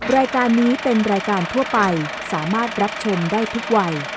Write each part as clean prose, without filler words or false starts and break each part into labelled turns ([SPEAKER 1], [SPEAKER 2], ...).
[SPEAKER 1] รายการนี้เป็นรายการทั่วไปสามารถรับชมได้ทุกวัย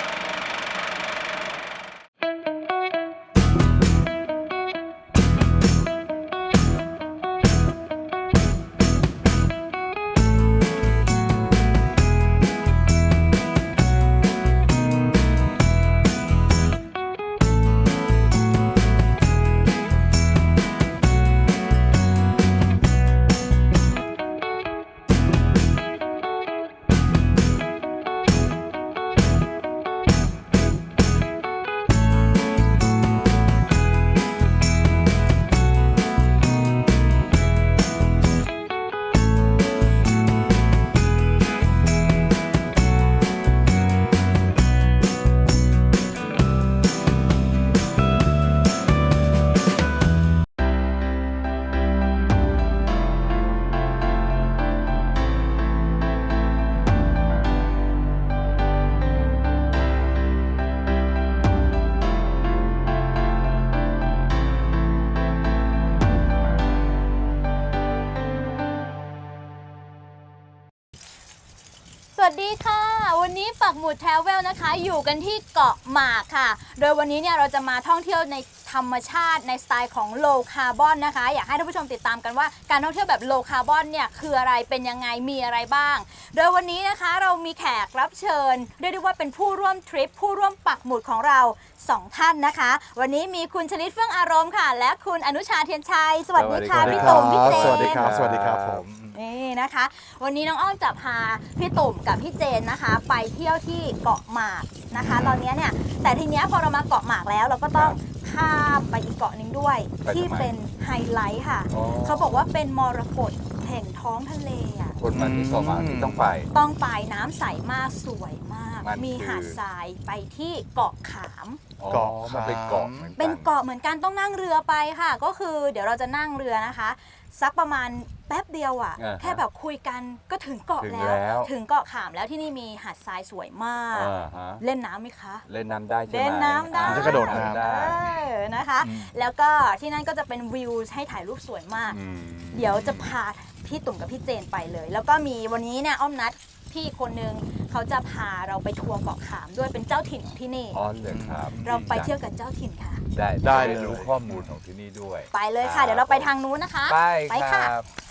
[SPEAKER 2] สวัสดีค่ะวันนี้ปักหมุดแทเวลนะคะอยู่กันที่เกาะหมากค่ะโดยวันนี้เนี่ยเราจะมาท่องเที่ยวในธรรมชาติในสไตล์ของ low carbon นะคะอยากให้ท่านผู้ชมติดตามกันว่าการท่องเที่ยวแบบ low carbon เนี่ยคืออะไรเป็นยังไงมีอะไรบ้างโดยวันนี้นะคะเรามีแขกรับเชิญเรียกได้ว่าเป็นผู้ร่วมทริปผู้ร่วมปักหมุดของเรา2 ท่านนะคะวันนี้มีคุณชลิดเฟื่องอารมณ์ค่ะและคุณอนุชาเทียนชัยสวัสดีค่ะพี่ตุ่มพี่เจน
[SPEAKER 3] สวัสดีครับสวัสดีครับผม
[SPEAKER 2] นี่นะคะวันนี้น้องอ้อมจะพาพี่ตุ่มกับพี่เจนนะคะไปเที่ยวที่เกาะหมากนะคะตอนนี้เนี่ยแต่ทีเนี้ยพอเรามาเกาะหมากแล้วเราก็ต้องข้ามไปอีกเกาะหนึ่งด้วยที่เป็นไฮไลท์ค่ะเขาบอกว่าเป็นมรกตแห่งท้องทะเลอ่ะ
[SPEAKER 4] คนมาที่เกาะหมากต้องไป
[SPEAKER 2] น้ำใสมากสวยมากมีหาดทรายไปที่เกาะขาม
[SPEAKER 4] เกาะมันเป็นเกาะเหมือนกัน
[SPEAKER 2] เป็นเกาะเหมือนกันต้องนั่งเรือไปค่ะก็คือเดี๋ยวเราจะนั่งเรือนะคะสักประมาณแป๊บเดียวอ่ะแค่แบบคุยกันก็ถึงเกาะแล้วถึงเกาะขามแล้วที่นี่มีหาดทรายสวยมากเล่นน้ำไหมคะ
[SPEAKER 4] เล่นน้ำได้ใช่ไหม
[SPEAKER 2] เล่นน้ำได้
[SPEAKER 3] จะกระโดดน้ำ
[SPEAKER 4] ได้
[SPEAKER 2] นะคะแล้วก็ที่นั่นก็จะเป็นวิวให้ถ่ายรูปสวยมากเดี๋ยวจะพาพี่ตุ่มกับพี่เจนไปเลยแล้วก็มีวันนี้เนี่ยอ้อมนัดพี่คนนึงเขาจะพาเราไปทัวร์เกาะขามด้วยเป็นเจ้าถิ่นของที่นี่
[SPEAKER 4] อ๋อเลยครับ
[SPEAKER 2] เราไปเที่ยวกับเจ้าถิ่นค่ะ
[SPEAKER 4] ได้รู้ข้อมูลของที่นี่ด้วย
[SPEAKER 2] ไปเลยค่ะเดี๋ยวเราไปทางนู้นนะคะ
[SPEAKER 4] ไปค่ะ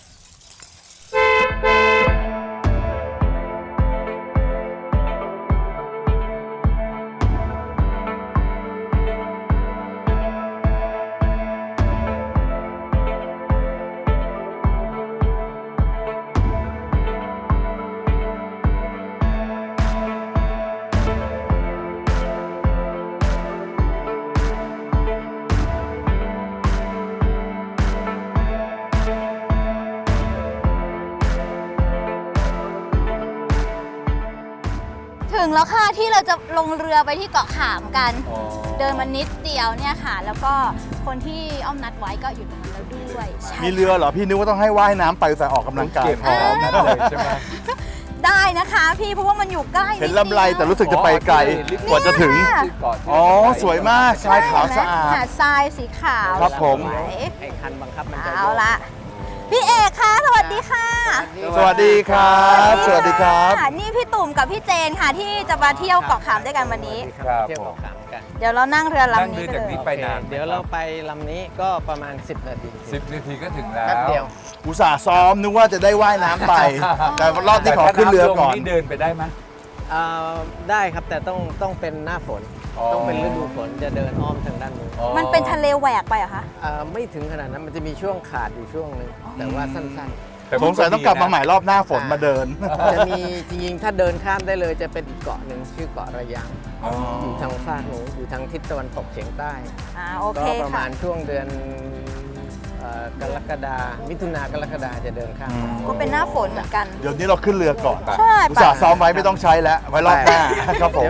[SPEAKER 2] ถึงแล้วค่ะที่เราจะลงเรือไปที่เกาะขามกันเดินมานิดเดียวเนี่ยค่ะแล้วก็คนที่อ้อมนัดไว้ก็อยู่ตรงนั้นแล้วด้วย
[SPEAKER 3] มีเรือเหรอพี่นึกว่าต้องให้ว่ายน้ำไปแต่ออกกำลังกาย
[SPEAKER 4] พร้อมนะเลยใช่ไหม
[SPEAKER 2] ได้นะคะพี่เพราะว่ามันอยู่ใกล้
[SPEAKER 3] เห็นลำไรแต่รู้สึกจะไปไกลกว่าจะถึงอ๋อสวยมากทรายขาวสะอาด
[SPEAKER 2] หาดทรายสีขาว
[SPEAKER 3] ครับผม
[SPEAKER 5] ไอ้คันบังคับมันจะ
[SPEAKER 2] เอาละพี่เอกคะสวัสดีค่ะ
[SPEAKER 3] สวัสดีครับสวัสดีครับ
[SPEAKER 2] นี่พี่ตุ่มกับพี่เจนค่ะที่จะมาเที่ยวเกาะขามด้วยกันวันนี้
[SPEAKER 5] เที่ยวเกาะขามกัน
[SPEAKER 2] เดี๋ยวเรานั่งเรือลำนี้
[SPEAKER 4] จากนี้ไปนาน
[SPEAKER 5] เดี๋ยวเราไปลำนี้ก็ประมาณ10 นาที
[SPEAKER 4] 10 นาทีก็ถึงแล้ว
[SPEAKER 5] แป๊บเดียว
[SPEAKER 3] อุตส่าห์ซ้อมนึกว่าจะได้ว่ายน้ำไปแต่รอบนี้ขอขึ้นเรือก่อน
[SPEAKER 4] นี่เดินไปได้ไหม
[SPEAKER 5] ได้ครับแต่ต้องเป็นหน้าฝนต้องเป็นฤดูฝนจะเดินอ้อมทางด้านนู้น
[SPEAKER 2] มันเป็นทะเลแหวกไปเหรอคะ
[SPEAKER 5] ไม่ถึงขนาดนั้นมันจะมีช่วงขาดอยู่ช่วงนึงแต่ว่าสั้น
[SPEAKER 3] ๆสงสัยต้องกลับมาใหม่รอบหน้าฝนมาเดิน
[SPEAKER 5] จะมีจริงๆถ้าเดินข้ามได้เลยจะเป็นอีกเกาะหนึ่งชื่อเกาะระยังอยู่ทางฝากหนูอยู่ทางทิศตะวันตกเฉียงใต้ก็ประมาณช่วงเดือนกรกฎามิถุนากรกฎาจะเดินข้าม
[SPEAKER 2] ก็เป็นหน้าฝนเหมือนกัน
[SPEAKER 3] เดี๋ยวนี้เราขึ้นเรือก่อนอุตส่าห์ซ้อมไว้ไม่ต้องใช้แล้วไว้รอบหน้าครับผม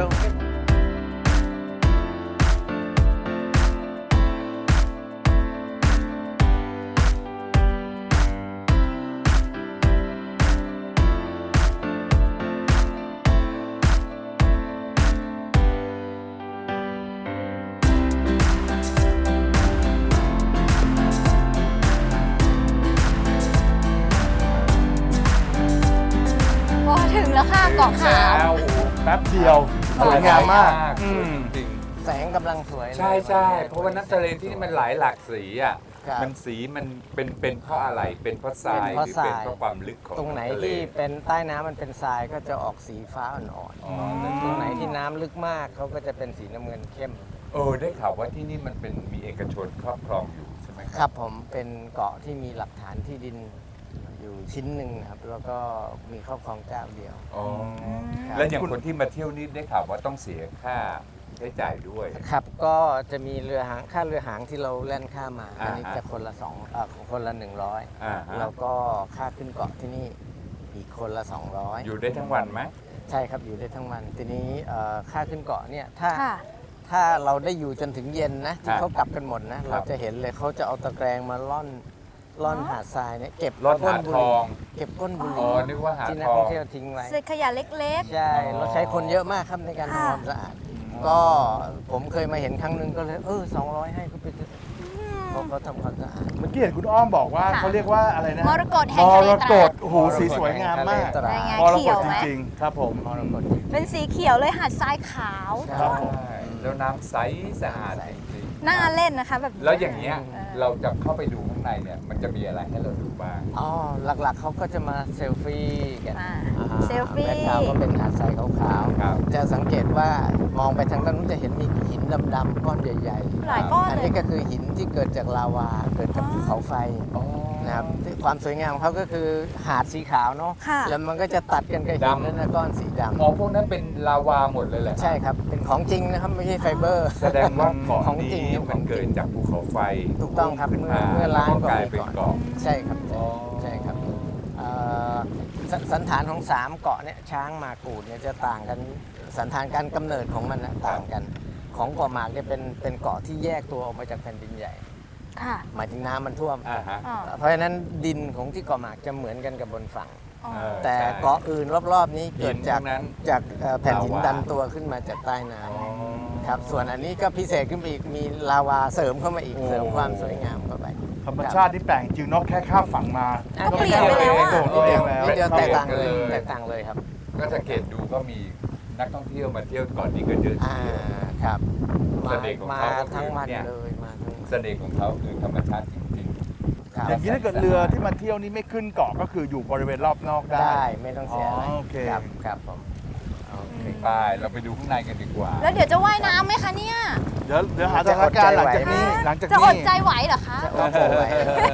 [SPEAKER 2] แล้วค่ะเกาะขาว
[SPEAKER 4] แล้ว
[SPEAKER 3] แป๊บเดียวสวยงามมาก
[SPEAKER 4] จริง
[SPEAKER 5] แสงกำลังสวยเลย
[SPEAKER 4] ใช่ใช่เพราะว่าน้ำทะเลที่นี่มันหลายหลากสีอ่ะ
[SPEAKER 5] ครับ
[SPEAKER 4] มันสีมันเป็นเพราะอะไรเป็นเพราะทรายหรือเป็นเพราะความลึกของ
[SPEAKER 5] ตรงไหน
[SPEAKER 4] ำทะเล
[SPEAKER 5] ที่เป็นใต้น้ำมันเป็นทรายก็จะออกสีฟ้าอ่อน
[SPEAKER 4] อ๋อ
[SPEAKER 5] ๆตรงไหนที่น้ำลึกมากเขาก็จะเป็นสีน้ำเงินเข้ม
[SPEAKER 4] ได้ข่าวว่าที่นี่มันเป็นมีเอกชนครอบครองอยู่ใช่ไหม
[SPEAKER 5] ครับผมเป็นเกาะที่มีหลักฐานที่ดินอยู่ชิ้นหนึ่งครับแล้วก็มีครอบครองเจ้าเดียว
[SPEAKER 4] อ๋อ
[SPEAKER 5] ครับ
[SPEAKER 4] แล้วอย่างคนที่มาเที่ยวนี่ได้ข่าวว่าต้องเสียค่าใช้จ่ายด้วย
[SPEAKER 5] ครับก็จะมีเรือหางค่าเรือหางที่เราแล่นข้ามมาอันนี้
[SPEAKER 4] อ่าฮะ
[SPEAKER 5] จะคนละคนละ
[SPEAKER 4] อ่าฮะ
[SPEAKER 5] 100แล้วก็ค่าขึ้นเกาะที่นี่อีกคนละ 200
[SPEAKER 4] อยู่ได้ทั้งวันไหม
[SPEAKER 5] ใช่ครับอยู่ได้ทั้งวันทีนี้ค่าขึ้นเกาะเนี่ย
[SPEAKER 2] ค่ะ
[SPEAKER 5] ถ้าเราได้อยู่จนถึงเย็นนะที่
[SPEAKER 4] ครับ
[SPEAKER 5] เขากลับกันหมดนะเราจะเห็นเลยเขาจะเอาตะแกรงมาล่อนหาดทรายเนี่ยเก็บ
[SPEAKER 4] ร่อน
[SPEAKER 5] ก้
[SPEAKER 4] หาน
[SPEAKER 5] บุ
[SPEAKER 4] ท
[SPEAKER 5] หรี่
[SPEAKER 4] อง
[SPEAKER 5] เก็บก้นบุห
[SPEAKER 4] อ๋
[SPEAKER 5] รี่
[SPEAKER 4] อนึกว่าหา
[SPEAKER 5] ที่นัก
[SPEAKER 4] ทอ
[SPEAKER 5] ท่อง งเที่ยวทิ้งไว้
[SPEAKER 2] เศษขยะเล็ก
[SPEAKER 5] ใช่
[SPEAKER 4] อ๋อ
[SPEAKER 5] เราใช้คนเยอะมากครับในการทำความสะอาด ก็ผมเคยมาเห็นครั้งหนึ่งก็เลย200ให้เขาไปเถอะเพราะเขาทำความสะอาด
[SPEAKER 3] เมื่อกี้เห็นคุณอ้อมบอกว่า
[SPEAKER 2] ค่ะ
[SPEAKER 3] เขาเรียกว่าอะไรนะ
[SPEAKER 2] ๆ มรกตแห่งทะเล
[SPEAKER 3] มร
[SPEAKER 2] ต
[SPEAKER 3] ก
[SPEAKER 2] ราด
[SPEAKER 3] ตโอ้โหสีสวยงามมาก
[SPEAKER 5] ทะเลตราด
[SPEAKER 2] ได้ไง
[SPEAKER 3] มร
[SPEAKER 2] เขี
[SPEAKER 3] ก
[SPEAKER 2] ย
[SPEAKER 3] ต
[SPEAKER 2] วไหม
[SPEAKER 3] จริงๆครับผม
[SPEAKER 5] มรกต
[SPEAKER 2] เป็นสีเขียวเลยหาดทรายขาว
[SPEAKER 3] ครับผม
[SPEAKER 4] ใช่แล้วน้ำใสสะอาดจริง
[SPEAKER 2] น่าเล่นนะคะแบบ
[SPEAKER 4] ๆแล้วอย่างเงี้ยเราจะเข้าไปดูข้างในเนี่ยมันจะมีอะไรให้เราดูบ้าง
[SPEAKER 5] อ๋อหลักๆเขาก็จะมาเซลฟี่กัน
[SPEAKER 2] อ่า
[SPEAKER 5] อ่า
[SPEAKER 2] เซลฟี่
[SPEAKER 5] แบ็คกราวด์ก็เป็นหาดทรายขาว
[SPEAKER 4] ครับ
[SPEAKER 5] ๆจะสังเกตว่ามองไปทางด้านนู้นจะเห็นมีหินดำๆก้อนใหญ่
[SPEAKER 2] หลายก้อน
[SPEAKER 5] อัน
[SPEAKER 2] เลย
[SPEAKER 5] นี้ก็คือหินที่เกิดจากลาวาเกิดจากภูเขาไฟนะครับที่ความสวยงามของเขาก็คือหาดสีขาวเนาะ
[SPEAKER 2] ค่ะ
[SPEAKER 5] แล้วมันก็จะตัดกันกับหินนั่นนะก้อนสีดำ
[SPEAKER 4] อ๋อพวกนั้นเป็นลาวาหมดเลยแหละ
[SPEAKER 5] ใช่ครับ เป็นของจริงนะครับ ไม่ใช่ไฟเบอร์
[SPEAKER 4] แสดงว่าเกาะ
[SPEAKER 5] ของจริง
[SPEAKER 4] นี้
[SPEAKER 5] ครับ
[SPEAKER 4] มันเกิดจากภูเขาไฟ
[SPEAKER 5] ถูกต้องครับ
[SPEAKER 4] ขึ้นมา
[SPEAKER 5] เมื่อล้าน
[SPEAKER 4] แล้วก็กลาย
[SPEAKER 5] ก
[SPEAKER 4] เป็น
[SPEAKER 5] ว่าปีก่อน
[SPEAKER 4] เกาะ
[SPEAKER 5] ใช่ครับ
[SPEAKER 4] อ๋อ
[SPEAKER 5] ใช่ครับเอ่อสันฐานของ3เกาะเนี่ยช้างหมากกูดเนี่ยจะต่างกันสันฐานการกำเนิดของมันนะต่างกัน ของเกาะหมากเนี่ยเป็นเกาะที่แยกตัวออกมาจากแผ่นดินใหญ่
[SPEAKER 2] ค่ะ
[SPEAKER 5] หมายถึงน้ำมันท่วม
[SPEAKER 4] อ่าฮะ
[SPEAKER 2] อ๋อ
[SPEAKER 5] เพราะฉะนั้นดินของที่เกาะหมากจะเหมือนกันกับบนฝั่ง
[SPEAKER 2] อ๋อ
[SPEAKER 4] เออ
[SPEAKER 5] แต่
[SPEAKER 4] ใช่
[SPEAKER 5] เกาะอื่นรอบๆนี้เกิดจาก
[SPEAKER 4] หินพวกนั้น
[SPEAKER 5] แผ่นหิน
[SPEAKER 4] ลาวา
[SPEAKER 5] ดันตัวขึ้นมาจากใต้น้
[SPEAKER 4] อ๋อ
[SPEAKER 5] ำครับส่วนอันนี้ก็พิเศษขึ้นไปอีกมีลาวาเสริมเข้ามาอีกเสริมความสวยงามเข้าไป
[SPEAKER 3] ธรรมชาติที่แปลกจริงเนอกแค่ข้ามฝั่งมา
[SPEAKER 2] ก็เปลี่ยนไปแล้วอะ
[SPEAKER 3] โดดเองแล้ว
[SPEAKER 5] นิดเดียวแตกต่างเลย
[SPEAKER 4] ครับ
[SPEAKER 5] แตกต่างเลยครับ
[SPEAKER 4] ก็สังเกตดูก็มีนักท่องเที่ยวมาเที่ยวเก่อนนี้ก็เยอะที
[SPEAKER 5] อ่า
[SPEAKER 4] เดียว
[SPEAKER 5] ครับมา
[SPEAKER 4] เสน่ห์ของ
[SPEAKER 5] มา
[SPEAKER 4] เขาก็คือ
[SPEAKER 5] ทั้งวัน
[SPEAKER 4] เนี่ย
[SPEAKER 5] เลยมาทั้งวัน
[SPEAKER 4] เสน่ห์ของเขาคือธรรมชาติจริง
[SPEAKER 5] ครับ
[SPEAKER 3] อย่างนี้ถ้าเกิดเรือที่มาเที่ยวนี่ไม่ขึ้นเกาะก็คืออยู่บริเวณรอบนอกได้
[SPEAKER 5] ได้ไม่ต้องเสียอะไร
[SPEAKER 3] อ๋อโอเค
[SPEAKER 5] ครับครับผมโอเค
[SPEAKER 4] ๆไปเราไปดูข้างในกันดีกว่า
[SPEAKER 2] แล้วเดี๋ยวจะว่ายน้ำไหมคะเนี่ย
[SPEAKER 3] เดี๋ยวหาสถานการณ์หลังจากนี้หลังจาก
[SPEAKER 2] จะ
[SPEAKER 3] นี้
[SPEAKER 2] อดใจไหวเหรอคะ
[SPEAKER 5] จะโอ้โหไว้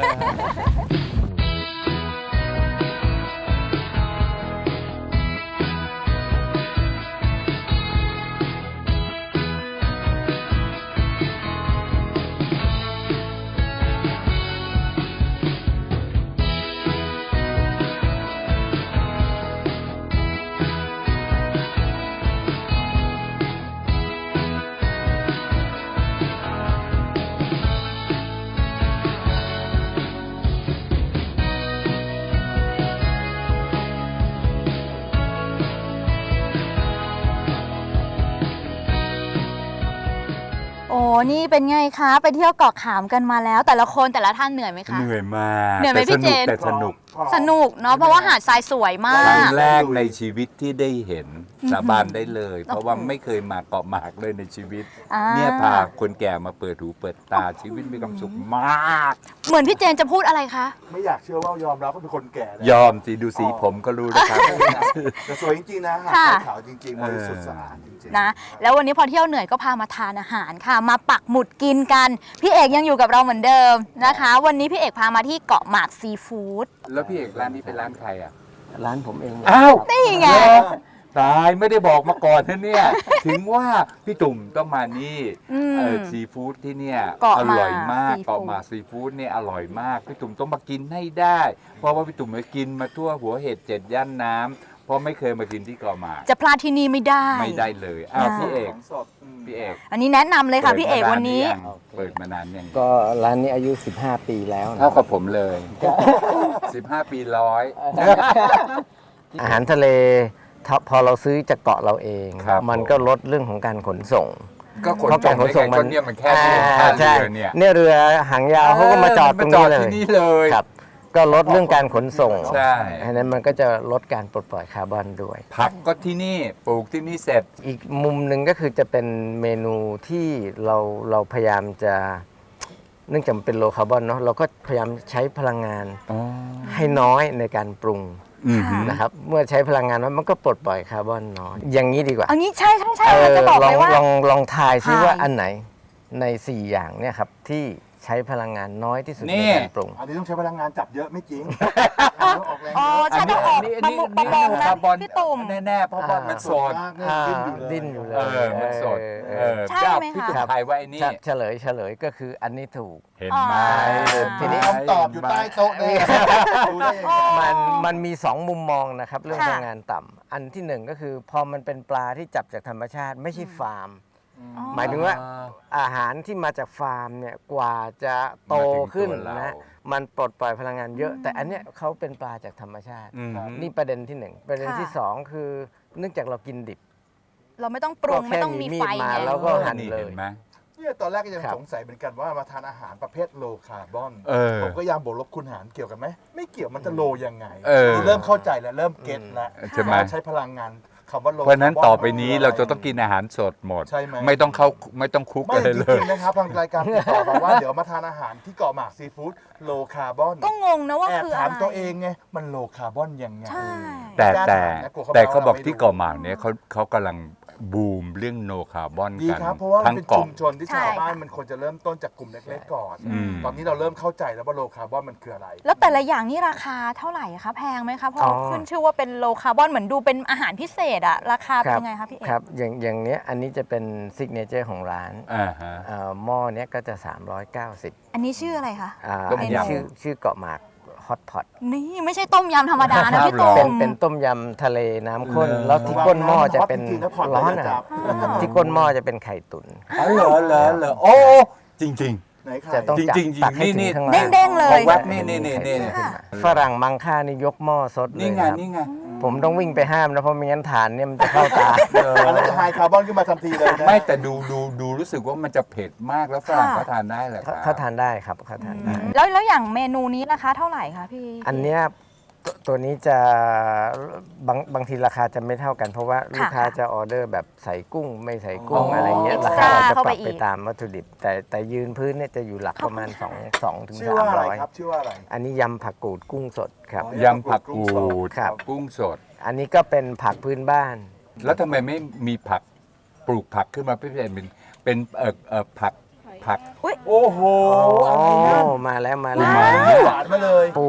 [SPEAKER 2] โอ้นี่เป็นไงคะ ไปเที่ยวเกาะขามกันมาแล้ว แต่ละคนแต่ละท่านเหนื่อยไหมคะ
[SPEAKER 4] เหนื่อยมาก
[SPEAKER 2] เหนื่อยไหมพี่เจน
[SPEAKER 4] แต่สนุก
[SPEAKER 2] สนุกเนาะเพราะว่าหาดทรายสวยมา
[SPEAKER 4] ครั้ง
[SPEAKER 2] ก
[SPEAKER 4] แรกในชีวิตที่ได้เห็นสาบานได้เลย เพราะว่าไม่เคยมาเกาะหมากเลยในชีวิต
[SPEAKER 2] อ่า
[SPEAKER 4] เนี่ยพาคนแก่มาเปิดหูเปิดตาชีวิตมีความสุขมาก
[SPEAKER 2] เหมือนพี่เจนจะพูดอะไรคะ
[SPEAKER 3] ไม่อยากเชื่อว่ายอมรับว่าเป็นคนแก่นะ
[SPEAKER 4] ยอมสิดูสีผมก็รู้นะครับ
[SPEAKER 3] แต่สวยจริงๆนะหาด
[SPEAKER 2] ค่ะ
[SPEAKER 3] ทรายขาวจริงๆบริสุทธิ์สะอาดจริงๆ
[SPEAKER 2] นะแล้ววันนี้พอเที่ยวเหนื่อยก็พามาทานอาหารค่ะ มาปักหมุดกินกัน พี่เอกยังอยู่กับเราเหมือนเดิมนะคะ วันนี้พี่เอกพามาที่เกาะหมากซีฟู้ด
[SPEAKER 4] แล้วพี่เอกร้านนี้เป็นร้านใครอ่ะ
[SPEAKER 5] ร้านผมเอง
[SPEAKER 4] อ้าว
[SPEAKER 2] นี่ไง
[SPEAKER 4] ตายไม่ได้บอกมาก่อนนะเนี่ย ถึงว่าพี่ตุ่มต้องมานี่
[SPEAKER 2] อืม
[SPEAKER 4] ซีฟู้ดที่เนี่ย
[SPEAKER 2] เกาะ
[SPEAKER 4] อ
[SPEAKER 2] หมาก
[SPEAKER 4] ร่อยมาก
[SPEAKER 2] ซีฟู้ด
[SPEAKER 4] เกาะหมากซีฟู้ดเนี่ยอร่อยมากพี่ตุ่มต้องมากินให้ได้ เพราะว่าพี่ตุ่มมากินมาทั่วหัวเห็ด7ย่านน้ำเพราะไม่เคยมากินที่เกาะหมาก
[SPEAKER 2] จะพลาดที่นี่ไม่ได้
[SPEAKER 4] ไม่ได้เลยอ้าว
[SPEAKER 2] อ่า
[SPEAKER 4] พี่เอก
[SPEAKER 3] ของสด
[SPEAKER 4] พี่เอก
[SPEAKER 2] อันนี้แนะนำเลยค่ะพี่เอกวันนี้
[SPEAKER 4] เปิดมานานยัง
[SPEAKER 5] ก็ร้านนี้อายุ 15 ปีแล้วนะ
[SPEAKER 4] เท่ากับผมเลย 15 ปีร้อย
[SPEAKER 5] อาหารทะเลพอเราซื้อจากเกาะเราเอง
[SPEAKER 4] ครับ
[SPEAKER 5] มันก็ลดเรื่องของการขนส่ง
[SPEAKER 4] ก็ขน
[SPEAKER 5] เพราะ
[SPEAKER 4] ส่
[SPEAKER 5] กาง รขนส่ง
[SPEAKER 4] ได้ไงก็เนี่ยมันแค่เพียงท่า
[SPEAKER 5] ใช่
[SPEAKER 4] เรือเนี่ย
[SPEAKER 5] เนี่ยเรือหางยาวเขาก็มาจอดตรงนี้เลย
[SPEAKER 4] ที่นี่เลย
[SPEAKER 5] ครับก็ลดเรื่องการขนส่ง
[SPEAKER 4] ใช่
[SPEAKER 5] อันนั้นมันก็จะลดการปลดปล่อยคาร์บอนด้วย
[SPEAKER 4] ผักก็ที่นี่ปลูกที่นี่เสร็จ
[SPEAKER 5] อีกมุมหนึ่งก็คือจะเป็นเมนูที่เราพยายามจะเนื่องจากมันเป็นโลคาร์บอนเนาะเราก็พยายามใช้พลังงานให้น้อยในการปรุง นะครับเมื่อใช้พลังงานน้อยมันก็ปลดปล่อยคาร์บอนน้อยอย่างนี้ดีกว่า
[SPEAKER 2] อันนี้ใช่เราจะบอกเลยว่า
[SPEAKER 5] ลองทายซิ
[SPEAKER 2] ทาย
[SPEAKER 5] ว่าอันไหนใน 4 อย่างเนี่ยครับที่ใช้พลังงานน้อยที่สุด
[SPEAKER 4] นี่
[SPEAKER 5] ในการปรุง
[SPEAKER 3] อันนี้ต้องใช้พลังงานจับเยอะไม่จริงออกแรง
[SPEAKER 2] อ๋อ
[SPEAKER 3] เยอะ
[SPEAKER 2] ใช่ต้องออกประมงนะ
[SPEAKER 4] คาร์บอน
[SPEAKER 2] พี่ตุ่ม
[SPEAKER 4] แน่ๆเพราะว่ามันสด
[SPEAKER 3] มากเนี่ยดิ้นอยู่เลย
[SPEAKER 5] ดิ้นอยู่เลย
[SPEAKER 4] มันสด
[SPEAKER 2] ใช่ไหมคะ
[SPEAKER 4] พี่ตุ้มทายว่าไอ้นี่
[SPEAKER 5] เฉลยก็คืออันนี้ถูก
[SPEAKER 4] เห็นไหม
[SPEAKER 5] ทีนี้
[SPEAKER 3] คำตอบอยู่ใต้โต๊ะเลยดูได้ยังไง
[SPEAKER 5] มันมี 2 มุมมองนะครับ เรื่อง
[SPEAKER 2] ค่ะ
[SPEAKER 5] พลังงานต่ำอันที่ 1 ก็คือพอมันเป็นปลาที่จับจากธรรมชาติไม่ใช่ฟาร์ม หมายถึงว่าอาหารที่มาจากฟาร์มเนี่ยกว่าจะโตขึ้น
[SPEAKER 4] มาถึงตัวเรา
[SPEAKER 5] นะมันปลดปล่อยพลังงานเยอะ แต่อันเนี้ยเขาเป็นปลาจากธรรมชาติ นี่ประเด็นที่ 1 ประเด็นที่ 2 คือเนื่องจากเรากินดิบ
[SPEAKER 2] เราไม่ต้องปรุง
[SPEAKER 5] ก็แค่
[SPEAKER 2] ไม่ต้องมีไฟ
[SPEAKER 5] มีมีดมา
[SPEAKER 2] ไง
[SPEAKER 5] แล้วก็หั่น
[SPEAKER 4] นี่
[SPEAKER 5] เลย
[SPEAKER 4] เห็นไหม
[SPEAKER 3] เนี่ยตอนแรกก็ยัง
[SPEAKER 5] ครับ
[SPEAKER 3] สงสัยเหมือนกันว่ามาทานอาหารประเภทโลคาร์บอน ผมก็พยายามบวกลบคูณหารเกี่ยวกันไหมไม่เกี่ยวมันจะโลยังไงเริ่มเข้าใจแล้วเริ่มเก็ตแล้ว
[SPEAKER 4] ใช่ไหม
[SPEAKER 3] ใช้พลังงานคำว่าโล
[SPEAKER 4] เพราะฉะนั้นต่อไปนี้เราจะต้องกินอาหารสดหมด
[SPEAKER 3] ใช่ไหม
[SPEAKER 4] ไม่ต้องคุก
[SPEAKER 3] ไม่
[SPEAKER 4] อะไร
[SPEAKER 3] จ
[SPEAKER 4] เล
[SPEAKER 3] ริ
[SPEAKER 4] ย
[SPEAKER 3] งๆนะครับทางรายการติดต่อมาว่าเดี๋ยวมาทานอาหารที่เกาะหมากซีฟู้ดโลคาร์บอน
[SPEAKER 2] ก็งงนะว่า
[SPEAKER 3] แอบ
[SPEAKER 2] คือ
[SPEAKER 3] ถา
[SPEAKER 2] อะ
[SPEAKER 3] ม
[SPEAKER 2] ไร
[SPEAKER 3] ตัวเองไงมันโลคาร์บอนยังไง
[SPEAKER 2] ใช่
[SPEAKER 4] แต่เขาบอกที่เกาะหมากเนี่ยเขากำลังบูมเรื่องโนคาร์บอน
[SPEAKER 3] ดี
[SPEAKER 4] กัน
[SPEAKER 3] ครับเพราะว่ามัน
[SPEAKER 4] ทั้ง
[SPEAKER 3] เป็น
[SPEAKER 4] เกาะ
[SPEAKER 3] ชุมชนที่ชาวบ้านมันควรจะเริ่มต้นจากกลุ่มเล็กๆก่อน
[SPEAKER 4] อืม
[SPEAKER 3] ตอนนี้เราเริ่มเข้าใจแล้วว่าโลคาร์บอนมันคืออะไร
[SPEAKER 2] แล้วแต่ละอย่างนี่ราคาเท่าไหร่คะแพงไหมคะพอขึ้นชื่อว่าเป็นโลคาร์บอนเหมือนดูเป็นอาหารพิเศษอะราคาเป็นยังไงคะพี่เอก
[SPEAKER 5] ครับอย่างเนี้ยอันนี้จะเป็นซิกเนเจอร์ของร้าน
[SPEAKER 4] ฮะ
[SPEAKER 5] หม้อเนี้ยก็จะ 390
[SPEAKER 2] อันนี้ชื่ออะไรคะ
[SPEAKER 4] ต้ม
[SPEAKER 5] อัน
[SPEAKER 4] ยำ
[SPEAKER 5] นี้ชื่อเกาะหมากฮอตพอต
[SPEAKER 2] นี่ไม่ใช่ต้มยำธรรมดานะพี่
[SPEAKER 4] ครั
[SPEAKER 2] ตุ่
[SPEAKER 4] บ
[SPEAKER 2] ม
[SPEAKER 5] เป็นต้มยำทะเลน้ำข้น
[SPEAKER 4] เหรอ
[SPEAKER 5] แล้วที่ก้นหม้อจะเป็น
[SPEAKER 3] จริงๆแล้วพอต
[SPEAKER 5] ร้อน
[SPEAKER 3] เลย
[SPEAKER 5] นะ
[SPEAKER 3] ค
[SPEAKER 5] ค
[SPEAKER 3] รั
[SPEAKER 5] รับ บที่ก้นหม้อจะเป็นไข่ตุ๋น
[SPEAKER 4] อ๋อเหรอโอ้จริง
[SPEAKER 3] ไหนใคร
[SPEAKER 5] จะต้อง
[SPEAKER 4] จริงๆ
[SPEAKER 5] ตักให้
[SPEAKER 4] นี่
[SPEAKER 5] ถึงข้าง
[SPEAKER 2] เด้
[SPEAKER 5] ล่าง ง
[SPEAKER 2] เด้งๆเล
[SPEAKER 4] ๆ
[SPEAKER 2] ย
[SPEAKER 4] แวบนี่
[SPEAKER 2] ค่ะ
[SPEAKER 5] ฝรั่งมังค่านี่ยกหม้อสดเลย
[SPEAKER 4] นี่ไง
[SPEAKER 5] ครับ
[SPEAKER 4] นี่ไง
[SPEAKER 5] ผมต้องวิ่งไปห้ามนะเพราะไม่งั้นฐานเนี่ยมันจะเข้าตา
[SPEAKER 3] แล้วจะไฮคาร์บอนขึ้นมาทันทีเลยนะ
[SPEAKER 4] ไม่แต่ดูรู้สึกว่ามันจะเผ็ดมากแล้วฝรั่งเขาทานได้แหละครับ
[SPEAKER 5] เขาทานได้ครับเขาทานได้
[SPEAKER 2] แล้วอย่างเมนูนี้ราคาเท่าไหร่คะพี่
[SPEAKER 5] อันเนี้ยตัวนี้จะบางทีราคาจะไม่เท่ากัน เพราะว่าลูกค้าจะออเดอร์แบบใส่กุ้งไม่ใส่กุ้ง
[SPEAKER 4] อ๋ออ
[SPEAKER 5] อะไรเงี้ย
[SPEAKER 2] Extra
[SPEAKER 5] ราคาเราจะ
[SPEAKER 2] เข้า
[SPEAKER 5] ป
[SPEAKER 2] ไป
[SPEAKER 5] รับ
[SPEAKER 2] อี
[SPEAKER 5] ไป
[SPEAKER 2] ก
[SPEAKER 5] ตามวัตถุดิบ แต่ยืนพื้นเนี่ยจะอยู่หลักประมาณ2ถึง
[SPEAKER 3] ชื่อว่าอะไรครับ
[SPEAKER 5] 300
[SPEAKER 3] ชื่อว่าอะไร
[SPEAKER 5] อันนี้ยำผักกูดกุ้งสดครับ
[SPEAKER 4] ยำผักกูด
[SPEAKER 5] ครับ
[SPEAKER 4] กุ้งสด
[SPEAKER 5] อันนี้ก็เป็นผักพื้นบ้าน
[SPEAKER 4] แล้วทำไมไม่มีผักปลูกผักขึ้นมาเป็นผัก โอ้โห
[SPEAKER 5] อ๋อ
[SPEAKER 4] อะไรนะ
[SPEAKER 5] มาแล้ว
[SPEAKER 3] หวานมาเลย
[SPEAKER 5] ปู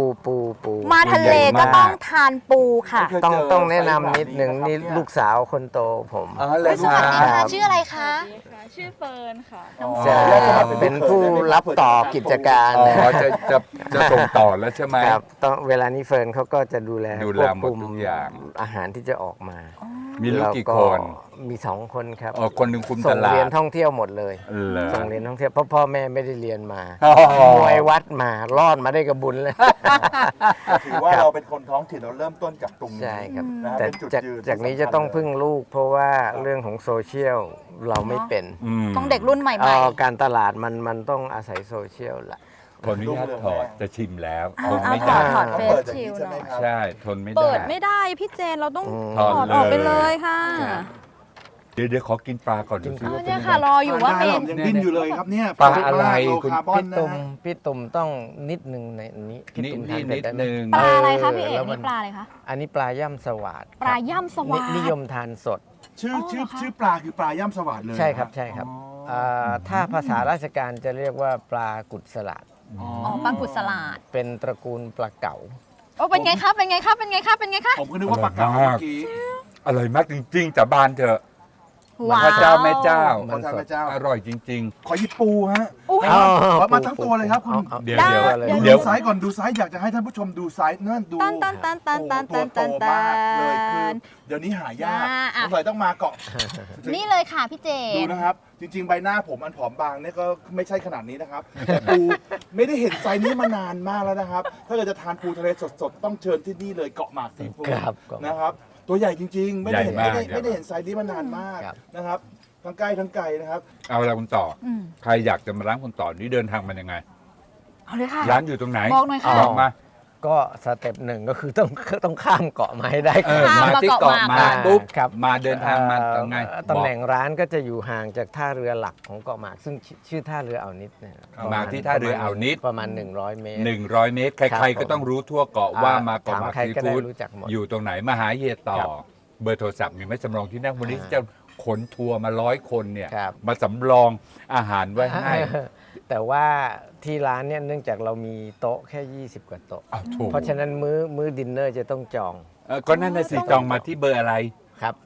[SPEAKER 2] มาทะเลก็ต้องทานปูค่ะ
[SPEAKER 3] ไม่เคย
[SPEAKER 5] ต้องแนะนำนิดหนึ่ง
[SPEAKER 3] ไซส์แบบนี้
[SPEAKER 5] นี่
[SPEAKER 3] นะครับ
[SPEAKER 5] ลูกสาวคนโตผม
[SPEAKER 4] อ๋อเลย
[SPEAKER 2] สวัสดีค่ะ
[SPEAKER 5] ครับ
[SPEAKER 2] ชื่ออะไรคะ
[SPEAKER 6] ชื่อเฟิร์นค่ะ
[SPEAKER 5] จะเป็นผู้รับต่อกิจการ
[SPEAKER 4] อ๋อจะส่งต่อแล้วใช่ไหม
[SPEAKER 5] ครับต้องเวลานี้เฟิร์นเขาก็จะดูแล
[SPEAKER 4] ดูแล
[SPEAKER 5] ควบ
[SPEAKER 4] หมด
[SPEAKER 5] คุม
[SPEAKER 4] ทุกอย่าง
[SPEAKER 5] อาหารที่จะออกมา
[SPEAKER 4] มีลูกกี่คน
[SPEAKER 5] มี 2 คนครับ
[SPEAKER 4] อ๋อคนหนึ่งคุม
[SPEAKER 5] ส่
[SPEAKER 4] ต
[SPEAKER 5] ง
[SPEAKER 4] ลา
[SPEAKER 5] เรียน
[SPEAKER 4] ด
[SPEAKER 5] ท่องเที่ยวหมดเลย
[SPEAKER 4] เหรอ
[SPEAKER 5] ส่งเรียนท่องเที่ยวเพราะพ่อแม่ไม่ได้เรียนมา
[SPEAKER 4] อ๋อ
[SPEAKER 5] มวยวัดมารอดมาได้กับบุญเลย
[SPEAKER 3] ถือว่าเราเป็นคนท้องถิ่นเราเริ่มต้นจากตรงนี้
[SPEAKER 5] ใช่ครับ
[SPEAKER 3] นะฮะ
[SPEAKER 5] แต่
[SPEAKER 3] เป็นจุด
[SPEAKER 5] จาก
[SPEAKER 3] ยืน
[SPEAKER 5] จากนี้
[SPEAKER 3] ที่สำคัญ
[SPEAKER 5] จะต้องพึ่งลูก เพราะว่าเรื่องของโซเชียลเราไม่เป็น
[SPEAKER 2] ต้องเด็กรุ่นใหม่
[SPEAKER 5] การตลาดมันต้องอาศัยโซเชียลละ
[SPEAKER 4] ขออนุญาตถอดจะชิมแล้วทน
[SPEAKER 2] เอา
[SPEAKER 4] ไม่
[SPEAKER 2] ถอ
[SPEAKER 4] ได้
[SPEAKER 2] ดถอด
[SPEAKER 3] เขา
[SPEAKER 2] เฟ
[SPEAKER 3] เปิ
[SPEAKER 2] ส
[SPEAKER 3] ดอย่าง
[SPEAKER 2] ชิล
[SPEAKER 3] นี้ใช่
[SPEAKER 2] ห
[SPEAKER 3] ไหม
[SPEAKER 2] น่อย
[SPEAKER 3] ครับ
[SPEAKER 4] ใช่ทนไม่ได้
[SPEAKER 6] เปิดไม่ได้พี่เจนเราต้อง
[SPEAKER 4] ถอด
[SPEAKER 6] ถอดออกไปเลยค่ะ
[SPEAKER 4] เดี๋ยวขอกินปลาก่อนดูซิว่าเป็น
[SPEAKER 2] เนี่ย
[SPEAKER 4] ยัง
[SPEAKER 2] ค่ะ
[SPEAKER 4] ไง
[SPEAKER 2] รออยู่ว่าเป็น
[SPEAKER 3] ยังดิ้นอยู่เลยครับเนี่ย
[SPEAKER 4] ปลาอะไร
[SPEAKER 3] โล
[SPEAKER 4] คุณ
[SPEAKER 3] คาร์บอน
[SPEAKER 5] พี่
[SPEAKER 3] นะ
[SPEAKER 5] ตุ่ม
[SPEAKER 3] ฮะ
[SPEAKER 5] พี่ตุ่มต้องนิดนึงในนี้พี่
[SPEAKER 4] นิด
[SPEAKER 5] ตุ่ม
[SPEAKER 4] นิ
[SPEAKER 5] ทาน
[SPEAKER 4] ด
[SPEAKER 5] เผ็ดได้ไหม
[SPEAKER 4] นึง
[SPEAKER 2] ปลาอะไรคะพี่เอก
[SPEAKER 5] แล้วมั
[SPEAKER 2] นี่ปลาอะไรคะ
[SPEAKER 5] อันนี้ปลาย่ำสวาด
[SPEAKER 2] ปลาย่ำสวาด
[SPEAKER 5] นิยมทานสด
[SPEAKER 3] ชื่อปลาคือปลาย่ำสวัสดเลย
[SPEAKER 5] ใช่ครับใช่ครับถ้าภาษาราชการจะเรียกว่าปลากุดสลัด
[SPEAKER 2] อ๋อปลากุดสลัด
[SPEAKER 5] เป็นตระกูลปลาเก๋า
[SPEAKER 2] โอ้เป็นไงคะเป็นไงคะเป็นไงคะเป็นไงคะ
[SPEAKER 3] ผมก็นึกว่าปลาเก๋าเมื่อกี้
[SPEAKER 4] อร่อยมากจริงๆจากบ้านเถอะ
[SPEAKER 2] ว้าว
[SPEAKER 4] พระเจ้าแม่เจ้า
[SPEAKER 3] ขอทานพระเจ้า
[SPEAKER 4] อร่อยจริง
[SPEAKER 3] ขอหยิบปูฮะ
[SPEAKER 2] อุ๊ย
[SPEAKER 3] ขอมาทั้งตัวเลยครับคุณ
[SPEAKER 5] อา
[SPEAKER 4] เดี๋ยว
[SPEAKER 5] อา
[SPEAKER 4] เดี๋ยว
[SPEAKER 5] เลย
[SPEAKER 3] ดู
[SPEAKER 4] เดี๋ยว
[SPEAKER 3] ไซส์ก่อนดูไซส์อยากจะให้ท่านผู้ชมดูไซส์นั่นดู
[SPEAKER 2] ตันตันตันตันตัน
[SPEAKER 3] โอ้
[SPEAKER 2] ตั
[SPEAKER 3] โห
[SPEAKER 2] น
[SPEAKER 3] ตัว
[SPEAKER 2] ตันตั
[SPEAKER 3] โตมากเลยคือน
[SPEAKER 2] น
[SPEAKER 3] เดี๋ยวนี้หายาก
[SPEAKER 2] อ่ะ
[SPEAKER 3] สงสัยต้องมาเกาะ
[SPEAKER 2] นี่เลยค่ะพี่เจ
[SPEAKER 3] ดู
[SPEAKER 2] น
[SPEAKER 3] นะครับ จริง ๆ ใบหน้าผมอันผอมบางเนี่ยก็ไม่ใช่ขนาดนี้นะครับ แต่ปูไม่ได้เห็นไซส์นี้มานานมากแล้วนะครับ ถ้าเกิดจะทานปูทะเลสดๆ ต้องเชิญที่นี่เลยเกาะหมากซีฟู้ด
[SPEAKER 5] ครับ
[SPEAKER 3] นะครับ ตัวใหญ่จริง ๆ ไม่ได้เห็น
[SPEAKER 4] ใหญ่มาก
[SPEAKER 3] ไม่ได้เห็นไซส์นี้มานานมาก
[SPEAKER 5] ครับ
[SPEAKER 3] นะครับทั้งใกล้ทั้งไกลนะครับ
[SPEAKER 4] ๆ เอาละคุณต่ออ
[SPEAKER 2] ม
[SPEAKER 4] ใครอยากจะมาร้านคุณต่อนี่เดินทางมันยังไง
[SPEAKER 2] เอาเลยค่ะ
[SPEAKER 4] ร้านอยู่ตรงไหน
[SPEAKER 2] บอกหน่อยค่ะ
[SPEAKER 4] บอกมา
[SPEAKER 5] ก็สเต็ปหนึ่งก็คือต้องข้ามเกาะมาให้ได้ก่อน
[SPEAKER 4] มาที่เกาะหมากปุ๊บ
[SPEAKER 5] ครับ
[SPEAKER 4] มาเดินทางมาตรงไง
[SPEAKER 5] ตำแหน่งร้านก็จะอยู่ห่างจากท่าเรือหลักของเกาะหมาก ซึ่งชื่อท่าเรืออ่าวนิดเนี่ย
[SPEAKER 4] มาที่ท่าเรืออ่าวนิด
[SPEAKER 5] ประมาณ100 เมตร
[SPEAKER 4] 100 เมตร ใครๆก็ต้องรู้ทั่วเกาะว่ามาเกาะหมาก
[SPEAKER 5] ถามใคร
[SPEAKER 4] ซี
[SPEAKER 5] ก็ได้
[SPEAKER 4] ฟู้ด
[SPEAKER 5] รู้จักหมด
[SPEAKER 4] อยู่ตรงไหนมาหาเฮียต่อ
[SPEAKER 5] ครับ
[SPEAKER 4] เบอร์โทรศัพท์มีไหมสำรองที่นั่งวันนี้จะขนทัวร์มา100 คนเนี่ย
[SPEAKER 5] ครับ
[SPEAKER 4] มาสำรองอาหารไว้ให้
[SPEAKER 5] แต่ว่าที่ร้านเนี่ยเนื่องจากเรามีโต๊ะแค่ 20 กว่าโต๊ะ
[SPEAKER 4] อ้าวถูก
[SPEAKER 5] เพราะฉะนั้นมื้อดินเนอร์จะต้องจอง
[SPEAKER 4] ก็นั่นน่ะสิจองมาที่เบอร์อะไร
[SPEAKER 5] ครับ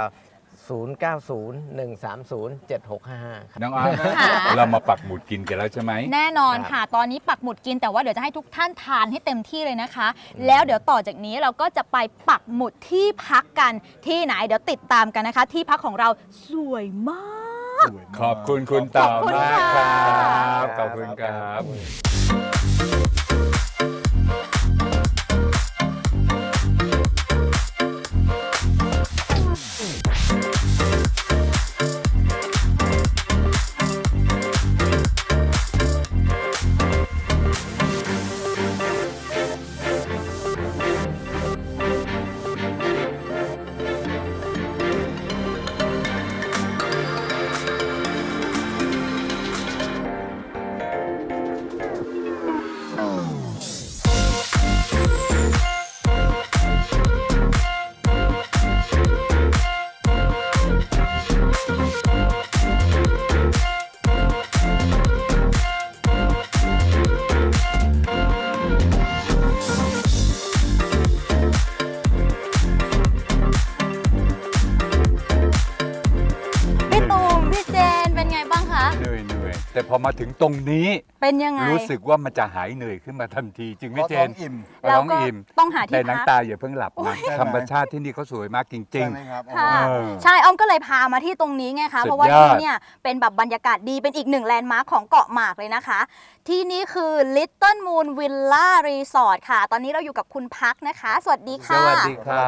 [SPEAKER 5] 0901307655ครับ
[SPEAKER 4] น้องอาร์ตเรามาปักหมุดกินกันแล้วใช่ไหม
[SPEAKER 2] แน่นอนค่ะ ตอนนี้ปักหมุดกินแต่ว่าเดี๋ยวจะให้ทุกท่านทานให้เต็มที่เลยนะคะ แล้วเดี๋ยวต่อจากนี้เราก็จะไปปักหมุดที่พักกันที่ไหนเดี๋ยวติดตามกันนะคะ ที่พักของเราสวยมาก
[SPEAKER 4] ขอบคุณคุณต่อ
[SPEAKER 2] ขอบคุณ
[SPEAKER 4] มากค
[SPEAKER 2] ค่ะ
[SPEAKER 4] รับขอบคุณครับ
[SPEAKER 2] พี่ตูมพี่เจนเป็นไงบ้างคะ
[SPEAKER 4] เหนื่อยแต่พอมาถึงตรงนี้
[SPEAKER 2] เป็นยังไง
[SPEAKER 4] รู้สึกว่ามันจะหายเหนื่อยขึ้นมาทันทีจริงไหมเจน
[SPEAKER 3] อิ่ม
[SPEAKER 2] เรา
[SPEAKER 4] ท้อง
[SPEAKER 2] ก็
[SPEAKER 4] อิ่ม
[SPEAKER 2] ต้องหาที่
[SPEAKER 4] แต่
[SPEAKER 2] พั
[SPEAKER 4] น้ำ
[SPEAKER 2] ก
[SPEAKER 4] ตาอย่าเพิ่งหลับนะธรรมชาติที่นี่เขาสวยมากจริง
[SPEAKER 3] ใช่ไหมครับ
[SPEAKER 2] ค่ะ
[SPEAKER 4] เออ
[SPEAKER 2] ใช่อ้อมก็เลยพามาที่ตรงนี้ไงคะ
[SPEAKER 4] สุดยอด
[SPEAKER 2] เพราะว่าที่เนี่ยเป็นแบบบรรยากาศดีเป็นอีกหนึ่งแลนด์มาร์คของเกาะหมากเลยนะคะ ที่นี่คือ Little Moon Villa Resort ค่ะ ตอนนี้เราอยู่กับคุณพักนะคะ สวัสดี
[SPEAKER 4] ๆ ส
[SPEAKER 2] ค่ะ
[SPEAKER 4] วัสดีครับ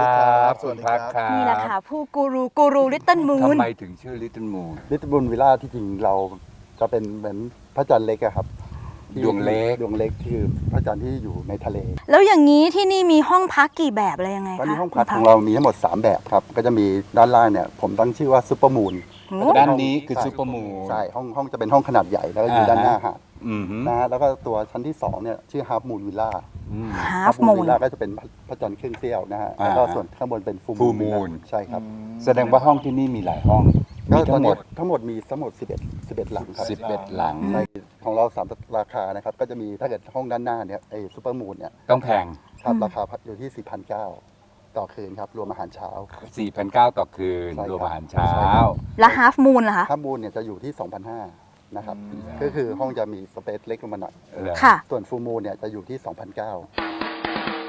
[SPEAKER 3] สวัสดี
[SPEAKER 4] ณ
[SPEAKER 3] ครับ
[SPEAKER 4] พักครับ
[SPEAKER 2] นี่แหละค่ะผู้กูรู Little
[SPEAKER 4] ทำ
[SPEAKER 2] Moon
[SPEAKER 4] ไมถึงชื่อ Little Moon
[SPEAKER 7] ลิตรบุญวิลล่าที่จริงเราจะเป็นเหมือนพระจันทร์เล็กอะครับที่
[SPEAKER 4] ดวงเล็ก
[SPEAKER 7] ดวงเล็กคือพระจันทร์ที่อยู่ในทะเล
[SPEAKER 2] แล้วอย่างนี้ที่นี่มีห้องพักกี่แบบอะไรยังไงคะ
[SPEAKER 7] ตอนนี้ห้องพัก
[SPEAKER 2] คุณ
[SPEAKER 7] ของเรามีทั้งหมด 3 แบบครับ ก็จะมีด้านล่างเนี่ยผมตั้งชื่อว่าซุปเปอร์มูน
[SPEAKER 2] โอ้
[SPEAKER 4] ด้านนี้คือซูเปอร์มูน
[SPEAKER 7] ใช่ห้องจะเป็นห้องขนาดใหญ่แล้วก็อยู่ด้านหน้าหาด
[SPEAKER 4] อือหือ
[SPEAKER 7] นะฮะแล้วก็ตัวชั้นที่2เนี่ยชื่อฮาร์ฟมูนวิลล่า
[SPEAKER 2] Half Moon
[SPEAKER 7] วิลล่าก็จะเป็นพระจันทร์ครึ่งเสี้ยวนะฮะ
[SPEAKER 4] อ่า
[SPEAKER 7] แล้วก็ส่วนข้างบนเป็นฟู
[SPEAKER 4] Full
[SPEAKER 7] มูน
[SPEAKER 4] Moon
[SPEAKER 7] ใช่ครับ
[SPEAKER 4] แสดงว่าห้องที่นี่มีหลายห้อง
[SPEAKER 7] ก็
[SPEAKER 4] มี
[SPEAKER 7] ตอ
[SPEAKER 4] ทั้
[SPEAKER 7] น
[SPEAKER 4] งหม
[SPEAKER 7] นี้
[SPEAKER 4] ด
[SPEAKER 7] ทั้งหมดมีทั้งหมด11หลังครับ
[SPEAKER 4] 11 หลัง
[SPEAKER 7] ใช่ของเรา3ราคานะครับก็จะมีถ้าเกิดห้องด้านหน้าเนี่ยไอ้ซูเปอร์มูนเนี่ย
[SPEAKER 4] ต้องแพง
[SPEAKER 7] ครับราคาอยู่ที่ 4,900 ต่อคืนครับ รวมอาหารเช้า
[SPEAKER 4] 4,900 ต่อคืน
[SPEAKER 7] ใช่ครับ
[SPEAKER 4] รวมอาหารเช้า
[SPEAKER 7] ใช่ครับ
[SPEAKER 2] แล้ว Half Moon ล่ะคะ
[SPEAKER 7] ถ้ามูลเนี่ยจะอยู่ที่ 2,500 นะครับ ก็คือห้องจะมีสเปซเล็กลงมาหน่อย
[SPEAKER 4] เหรอ
[SPEAKER 2] ค่ะ
[SPEAKER 7] ส่วนฟูมูลเนี่ยจะอยู่ที่ 2,900